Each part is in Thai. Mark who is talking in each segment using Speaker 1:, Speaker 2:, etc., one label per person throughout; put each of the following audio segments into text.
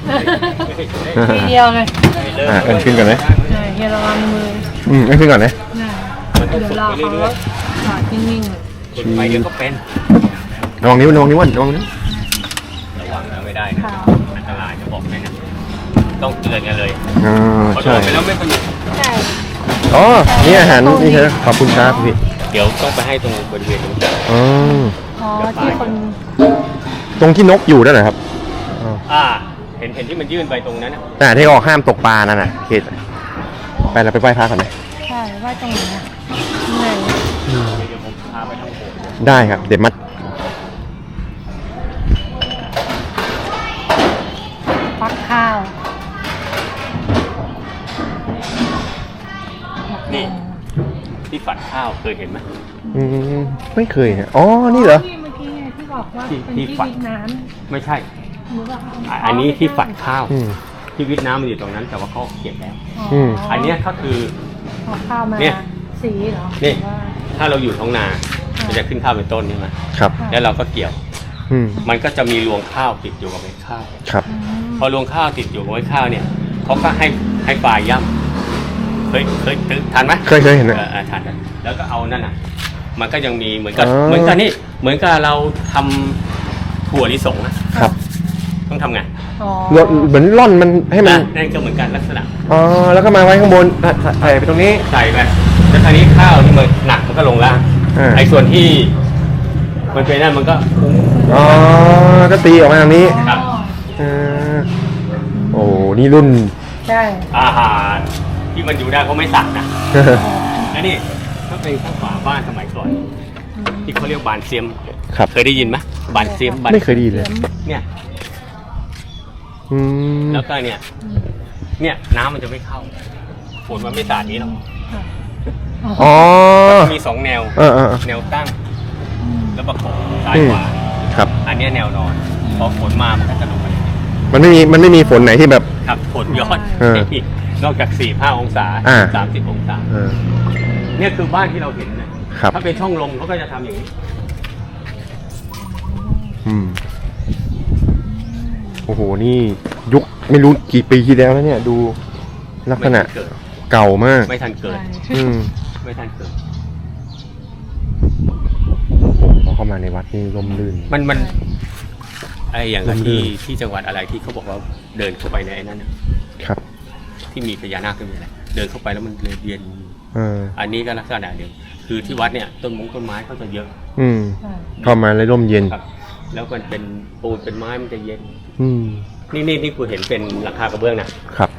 Speaker 1: ทีเดียวเลย
Speaker 2: เอิ้นขึ้นก่อนเลย
Speaker 1: เฮียระวังมือ
Speaker 2: เอิ้นขึ้นก่อนเลย
Speaker 1: เดี๋ยวรอเขาจอดนิ่งๆ
Speaker 3: ไปเดี๋ยวก็เป็น
Speaker 2: ระวังนิ้วระวังนิ้วระวังนิ้ว
Speaker 3: ระวังนะไม่ได้นะอันตรายจะบอกให้นะต้องเตือนกันเลย
Speaker 2: ใช่
Speaker 3: ไปแล้วไม่ประโยชน์
Speaker 1: ใช่
Speaker 2: อ๋อนี่อาหารนี่ครับขอบคุณครับพี่
Speaker 3: เดี๋ยวต้องไปให้ตรงบริเวณตรงนี้
Speaker 1: ที่คน
Speaker 2: ตรงที่นกอยู่นั่นแหละครับ
Speaker 3: เห็นที่มันยื่นไปตรงนั้น
Speaker 2: นะที่ออกห้ามตกปลานั่นน่ะเขตไปเราไปไหว้พระก่อนไหม
Speaker 1: ใช่ไหว้ตรงไหนเหนื่อย
Speaker 3: เดี๋ยวผมพาไปทางโบสถ์
Speaker 2: ได้ครับเดี๋ยวมัด
Speaker 1: ฟักข้าว
Speaker 3: นี่ที่ฝัดข้าวเคยเห็นไหม
Speaker 2: ไม่เคยอ๋อนี่เหรอ
Speaker 1: ที่เมื่อกี้ที่บอกว่าเป็นที่วิทน้
Speaker 3: ำไม่ใช่อันนี้ที่ฝัดข้าวที่วิทน้ำมันอยู่ตรงนั้นแต่ว่าเขาเก็บแล้วอันนี้ก็คือ
Speaker 1: ข้าวมาสีเหรอ
Speaker 3: นี่ถ้าเราอยู่ท้องนามันจะขึ้นข้าวเป็นต้นใช่ไหม
Speaker 2: ครับ
Speaker 3: แล้วเราก็เกี่ยวมันก็จะมีรวงข้าวติดอยู่กับเม็ดข้าว
Speaker 2: ครับ
Speaker 3: พอรวงข้าวติดอยู่กับเม็ดข้าวเนี่ยเขาก็ให้ปลายย่ำเคยทานไหม
Speaker 2: เคยเห็น
Speaker 3: ทานแล้วก็เอานั่นน่ะมันก็ยังมีเหมือนกับนี่เหมือนกับเราทำถั่วลิสง
Speaker 2: นะครับ
Speaker 3: ต้องทำไง
Speaker 2: เหมือนร่อนมันให้มัน
Speaker 3: นั่นก็เหมือนกันลักษณะ
Speaker 2: แล้วก็มาไว้ข้างบนใส่ไปตรงนี้
Speaker 3: ใส่ไปแล้วทีนี้ข้าวที่มันหนักมันก็ลงล่างไอ้ส่วนที่มันเป็นนั่นมันก็
Speaker 2: ก็ตีออกมาทางนี้
Speaker 3: ครับ
Speaker 2: โอ้นี่รุ่น
Speaker 1: ใช่
Speaker 3: อาหารที่มันอยู่ได้เพราะไม่สั่งนะแล้วนี่ก็เป็นข้าวฝาบ้านสมัยก่อนที่เขาเรียกบานเซียมเคยได้ยินไหมบานเซียม
Speaker 2: ไม่เคยได้ยินเลย
Speaker 3: เนี่ยแล้วก็เนี่ยน้ำมันจะไม่เข้าฝนมันไม่สาดนี้หรอกมี2แนวแนวตั้งแล้วประกบซ้ายขวา
Speaker 2: ครับ
Speaker 3: อันนี้แนวนอนพอฝนมามันก็จะลงไป
Speaker 2: มันไม่มีฝนไหนที่แบบ
Speaker 3: ครับฝนย้อนนอกจาก4-5 องศา30 องศาเนี่ยคือบ้านที่เราเห็นนะถ้าเป็นช่องลมเขาก็จะทำอย่างนี้
Speaker 2: โอ้โหนี่ยุคไม่รู้กี่ปีที่แล้วเนี่ยดูลักษณะเก่ามาก
Speaker 3: ไม่ทันเกิดไม่ทันเกิด
Speaker 2: พอเข้ามาในวัดนี่ร่มรื่น
Speaker 3: มันไออย่างที่จังหวัดอะไรที่เขาบอกว่าเดินเข้าไปในนั้น
Speaker 2: ครับ
Speaker 3: ที่มีพญานาคขึ้นมาอะไรเดินเข้าไปแล้วมันเลยเย็นอันนี้ก็ลักษณะเดียวคือที่วัดเนี่ยต้นไม้เขาจะเยอะ
Speaker 2: เข้ามาเลยร่มเย็น
Speaker 3: แล้วมันเป็นปูนเป็นไม้มันจะเย็นนี่กูเห็นเป็นหลังคากระเบื้องนะครับ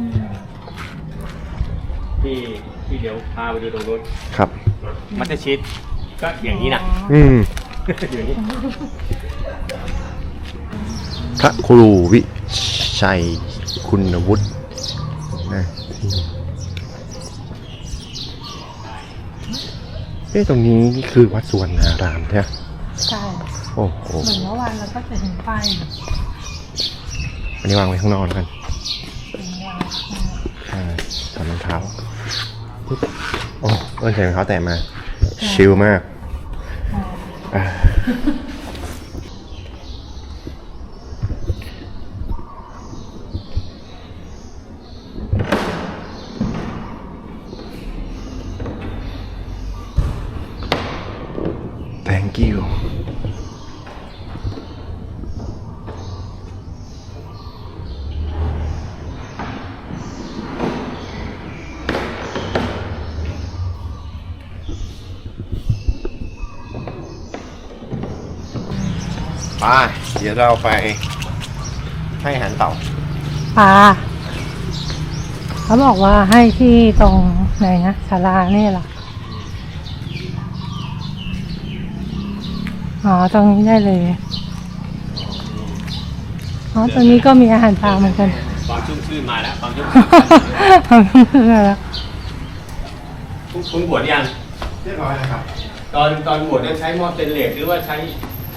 Speaker 3: ที่เดี๋ยวพาไปดูตรงนู้น
Speaker 2: ครับ
Speaker 3: มัตชิดก็อย่างนี้นะอย่างนี้
Speaker 2: พระครูวิชัยคุณวุฒิตรงนี้คือวัดสุวรรณารามใช่ไหม
Speaker 1: ใช่
Speaker 2: โอ้โห
Speaker 1: เหมือนเมื่อวานเราก็จะเห็นป้าย
Speaker 2: อันนี้วางไว้ข้างนอกแล้วกันถอดรองเท้าใส่รองเท้าแตะมาชิลมากThank you เดี๋ยวเราไปให้อาหารเต่า
Speaker 1: ปลาเขาบอกว่าให้ที่ตรงไหนนะศาลานี่หรอตรงนี้ได้เลยตรงนี้ก็มีอาหารปลาเหมือนกัน
Speaker 3: ความชุ่มชื่นมาแล้วความชุ่ม
Speaker 1: ชื่นมาแล้ว
Speaker 3: คุณบวชยัง
Speaker 2: เรียบร้อยนะครับ
Speaker 3: ตอนบวชใช้หม้อสเตนเลสหรือว่าใช้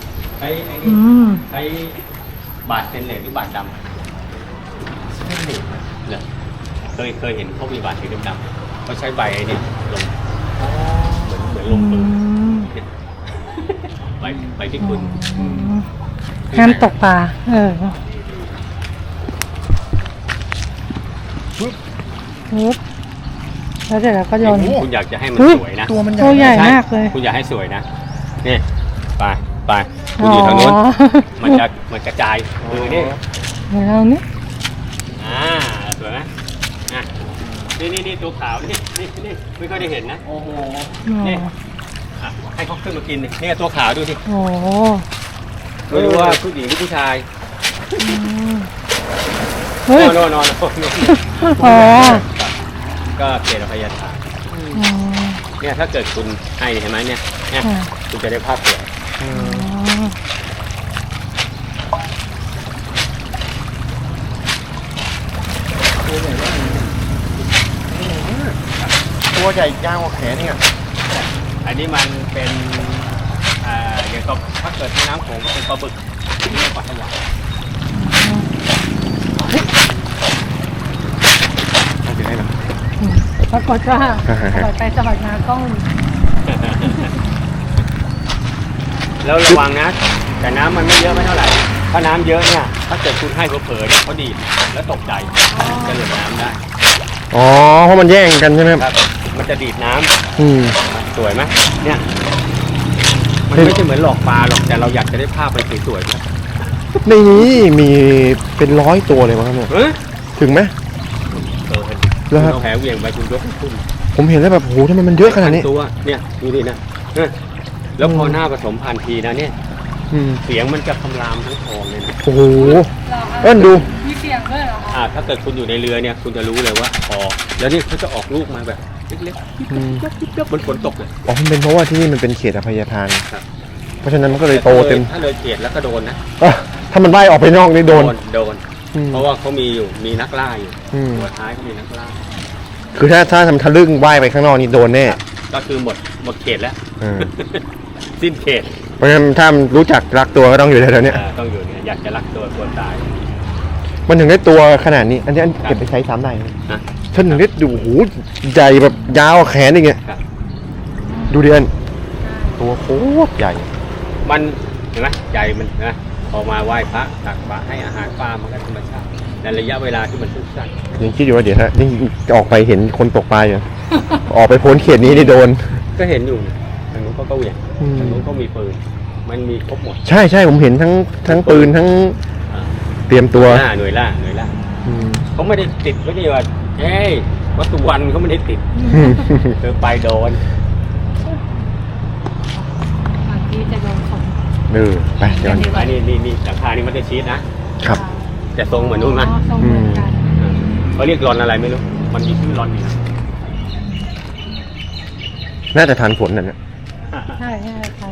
Speaker 3: บาตรสเตนเลสหรือบาตรดำเนี่ยเคยเห็นเขามีบาตรสีดำๆเขาใช้ใบไอ้นี่ลงเหมือนลงปืนใบที่คุณ
Speaker 1: ห้ามตกปลาปึ๊บแล้วเดี๋ยวเราก็โยน
Speaker 3: คุณอยากจะให้มัน
Speaker 1: อุ๊ย
Speaker 3: สวยนะ
Speaker 2: ตัวมัน
Speaker 1: ตัวใหญ่
Speaker 3: ใช่
Speaker 1: มากเลย
Speaker 3: คุณอยากให้สวยนะนี่ไปคุณอยู่ทางนู้นมันกระจายมือนี่
Speaker 1: เดี๋ยวเรานี่
Speaker 3: สวยไหมอ่ะนี่ตัวขาวนี่ไม่ค่อยได้เห็นนะ
Speaker 2: โอ้โห
Speaker 3: นี่อ่ะให้เขาขึ้นมากินดินี่ตัวขาวดูสิ
Speaker 1: โอ้โห
Speaker 3: ไม่รู้ว่าผู้หญิงหรือผู้ชาย
Speaker 1: อืมเฮ้ย
Speaker 3: นอน
Speaker 1: อ๋อ
Speaker 3: ก็เกตอภัยทาน
Speaker 1: อืม
Speaker 3: เนี่ยถ้าเกิดคุณให้เห็นไหมเนี่ย
Speaker 1: ค่ะ
Speaker 3: คุณจะได้ภาพสวย
Speaker 1: อ๋อ
Speaker 2: ตัวใหญ่ยาวกว่าแขนเนี่ย
Speaker 3: อันนี้มันเป็นอย่างกับถ้าเกิดที่น้ำโขงก็เป็นปลาบึกที่นี่ปลาสวาย
Speaker 2: เอาไปให้หน่อย
Speaker 1: ปรากฏว่าสอดไปสอดมาก็
Speaker 3: แล้วระวังนะแต่น้ำมันไม่เยอะไม่เท่าไหร่ถ้าน้ำเยอะเนี่ยถ้าเกิดคุณให้เผลอๆเนี่ยเขาดีดแล้วตกใจจะหลุดน้ำได้
Speaker 2: อ๋อเพราะมันแย่งกันใช่ไหมครับ
Speaker 3: ครับมันจะดีดน้ำ
Speaker 2: อืม
Speaker 3: สวยไหมเนี่ยมันไม่ใช่เหมือนหลอกปลาหรอกแต่เราอยากจะได้ภาพไปสวยๆนะ
Speaker 2: ในนี้มีเป็น100 ตัวเลยมั้งครับเนี่ย
Speaker 3: เฮ้ย
Speaker 2: ถึงไหม แล้วครับ
Speaker 3: เอาแหเหวี่ยงไปคุณยกขึ้น
Speaker 2: ผมเห็นแล้วแบบโหทำไมมันเยอะขนาดนี้
Speaker 3: ตัวเนี่ยดูดินะแล้วพอหน้าผสมพันธุ์ทีนะเนี่ย
Speaker 2: อืม
Speaker 3: เสียงมันจะคำรามทั้งคลองเลยนะ
Speaker 2: โอ้โหเอิ้นดู
Speaker 1: มีเสียงด้วยเหรอคะ
Speaker 3: ถ้าเกิดคุณอยู่ในเรือเนี่ยคุณจะรู้เลยว่าพอแล้วนี่เขาจะออกลูกมาแบบเล็ก
Speaker 2: อืม
Speaker 3: ๆบนฝนตกเลย
Speaker 2: อ๋อมันเป็นเพราะว่าที่นี่มันเป็นเขตอภัยทาน
Speaker 3: ครับ
Speaker 2: เพราะฉะนั้นมันก็เลยโตเต็ม
Speaker 3: ถ้าเลยเกียดแล้วก็โดนนะ
Speaker 2: อ่ะถ้ามันว่ายออกไปนอกนี่โดน อืม
Speaker 3: เพราะว่าเขามีนักล่าอยู่
Speaker 2: อืม
Speaker 3: หัวท้ายเขามีนักล่า
Speaker 2: คือถ้าทำทะลึ่งว่ายไปข้างนอกนี่โดนแน่
Speaker 3: ก็คือหมดเขตแล้ว
Speaker 2: อ่า
Speaker 3: สิ้นเขต
Speaker 2: เพราะฉะนั้นถ้ามันรู้จักรักตัวก็ต้องอยู่แถวๆเนี้ย
Speaker 3: ต้องอยู่เนี่ยอยากจะรักตัวควรตาย
Speaker 2: มันถึงได้ตัวขนาดนี้อันนี้เก็บไปใช้ซ้ำได้ไหม
Speaker 3: นะ
Speaker 2: ฉันถึงได้ดูโอ้โหใหญ่แบบยาวแขนอย่างเงี้ย
Speaker 3: ครับ
Speaker 2: ดูดิอันตัวโคตรใหญ่
Speaker 3: มันเห็นไหมใจมันนะพอมาไหว้พระตักบาตรให้อาหารปลามันก็ธรรมชาติในระยะเวลาที่มันสั้น
Speaker 2: ยังคิดอยู่ว่าเดี๋ยวถ้านี่ออกไปเห็นคนตกปลาอยู่ ออกไปพ้นเขตนี้นี่โดน
Speaker 3: ๆก็เห็นอยู่ทางนู้นเขาก็เหวี่ยง
Speaker 2: อืม
Speaker 3: ทางนู้นก็มีปืนมันมีครบหมด
Speaker 2: ใช่ผมเห็นทั้งปืนทั้ง
Speaker 3: อ่า
Speaker 2: เตรียมตัว
Speaker 3: หน่วยล่า
Speaker 2: อืม
Speaker 3: เขาไม่ได้ติดไม่ได้ว่าเฮ้ยวัตถุวันเขาไม่ได้ติดเธอไปโดน
Speaker 1: บางทีจะโดนของ
Speaker 2: ไปเดี๋ยว
Speaker 3: อันนี่หลังคานี่มันจะชีสนะครับ แต่ทรงเหมือนนู่นไหม
Speaker 1: ทรงเหมือนกัน
Speaker 3: เขาเรียกรอนอะไรไม่รู้มันมีชื่อรอนอยู่นะ
Speaker 2: น่าจะทันฝนนั่นนะ
Speaker 1: ใช่ทัน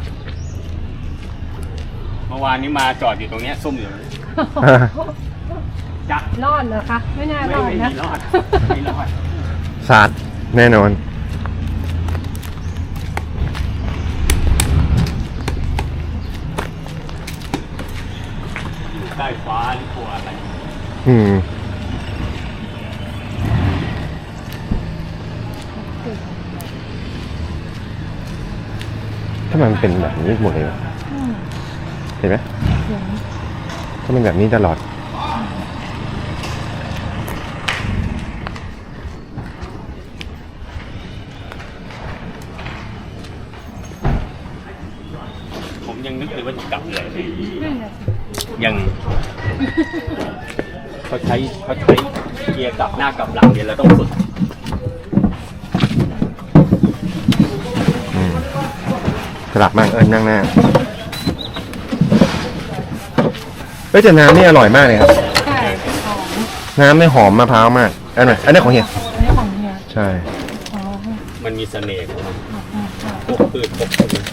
Speaker 3: เมื่อวานนี้มาจอดอยู่ตรงเนี้ยซุ่มอยู่จัก
Speaker 1: รอดเหรอคะไม่น่ารอดนะ
Speaker 3: ไม่รอดไม่รอด
Speaker 2: สาดแน่นอน
Speaker 3: อยู่ใต้ฟ้าหรือกลัวอะไร
Speaker 2: อืมถ้ามันเป็นแบบนี้หมดเลยวะ
Speaker 1: อืม
Speaker 2: เห็นไหม
Speaker 1: เสียง
Speaker 2: ถ้ามันแบบนี้ตลอด
Speaker 3: ผมยังนึกเลยว่าจะกลับเลย
Speaker 1: นั่นแหละสิ
Speaker 3: ยังเขาใช้เกียร์กลับหน้ากลับหลังเนี่ยเราต้องฝึก
Speaker 2: สลับมากนั่งหน้าแต่น้ำนี่อร่อยมากเลยครับ
Speaker 1: ใช่หอม
Speaker 2: น้ำไม่หอมมะพร้าวมากอันไหนอันนี้ของเฮีย
Speaker 1: อันนี้ของเฮีย
Speaker 2: ใช่
Speaker 1: อ๋อ
Speaker 3: มันมีเสน่ห์ของมัน
Speaker 1: อืม
Speaker 3: พวกพืชพวกต้นไม้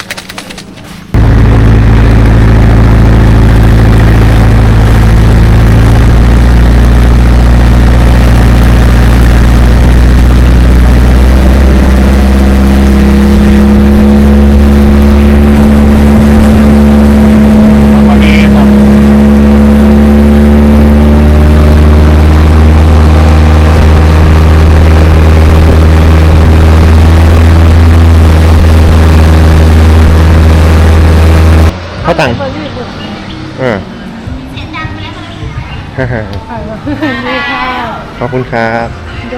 Speaker 2: ข้าวตัง
Speaker 1: เบอร์รี่บุก
Speaker 2: ฮ่าฮ่า
Speaker 1: ไข่มานี่ค่ะ
Speaker 2: ขขอบคุณครับ
Speaker 1: โด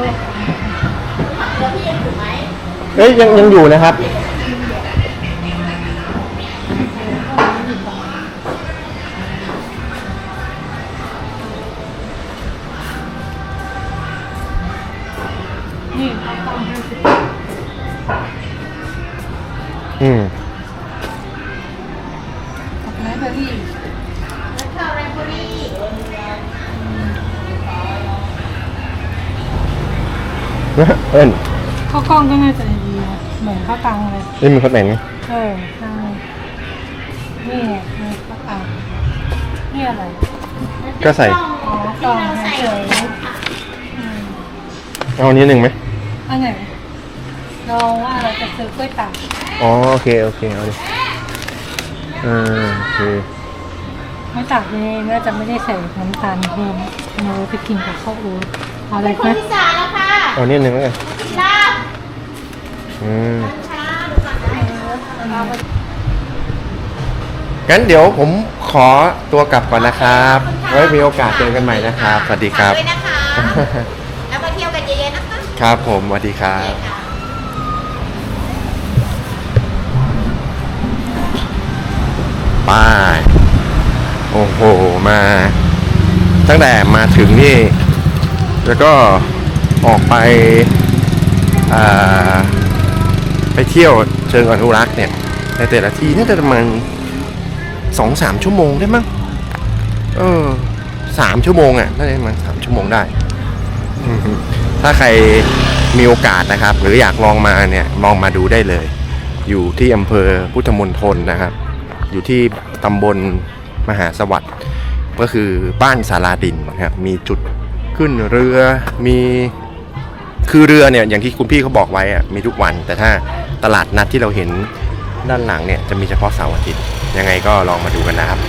Speaker 2: เอ้ยยังอยู่นะครับ
Speaker 1: นี่เขาต้องให้สิ
Speaker 2: อืม
Speaker 1: ดอกไม้เบอร์รี่
Speaker 2: เอิ้น
Speaker 1: ข้าวกล้องก็น่าจะดีนะเหมือนข้าวตังเลย
Speaker 2: นี่มันคนไหนไง
Speaker 1: ใช่นี่ไงมีข้าวตังนี่อะไร
Speaker 2: ก็ใส่
Speaker 1: อ๋อกล่องเฉยๆอืม
Speaker 2: เอาอันนี้หนึ่งไหม
Speaker 1: อันไหนลองว่าเราจะซื้อกล้วยตาก
Speaker 2: อ๋อโอเคโอเคเอาดิโอเค
Speaker 1: กล้วยตากนี่น่าจะไม่ได้ใส่น้ำตาลเพิ่มเราไปกินกับข้าวโอ๊ตเอาอะไรไหม
Speaker 4: พิซซ่าแล้วค่ะ
Speaker 2: เอาอันนี้หนึ่งแล้วกัน
Speaker 4: ลาบ
Speaker 2: อืม
Speaker 4: ช้าดูก่อนนะ
Speaker 2: งั้นเดี๋ยวผมขอตัวกลับก่อนนะครับ ไว้มีโอกาสเจอกันใหม่นะครับ สวัสดีครับ
Speaker 4: ด้วยนะคะ แล้วมาเที่ยวกันเยอะๆนะคะ
Speaker 2: ครับผมสวัสดีครับ
Speaker 4: ค่ะ
Speaker 2: ป้ายโอ้โหมาตั้งแต่มาถึงนี่แล้วก็ออกไปไปเที่ยวเชิงอนุรักษ์เนี่ยในแต่ละที่น่าจะประมาณ 2-3 ชั่วโมงได้มั้ง3 ชั่วโมงอ่ะน่าจะประมาณ3 ชั่วโมงได้อือฮึถ้าใครมีโอกาสนะครับ หรืออยากลองมาเนี่ยลองมาดูได้เลย อยู่ที่อำเภอพุทธมณฑลนะครับ อยู่ที่ตำบลมหาสวัสดิ์ก็คือบ้านสาราดินนะครับมีจุดขึ้นเรือมีคือเรือเนี่ยอย่างที่คุณพี่เขาบอกไว้อะมีทุกวัน แต่ถ้าตลาดนัดที่เราเห็นด้านหลังเนี่ยจะมีเฉพาะเสาร์อาทิตย์ยังไงก็ลองมาดูกันนะครับ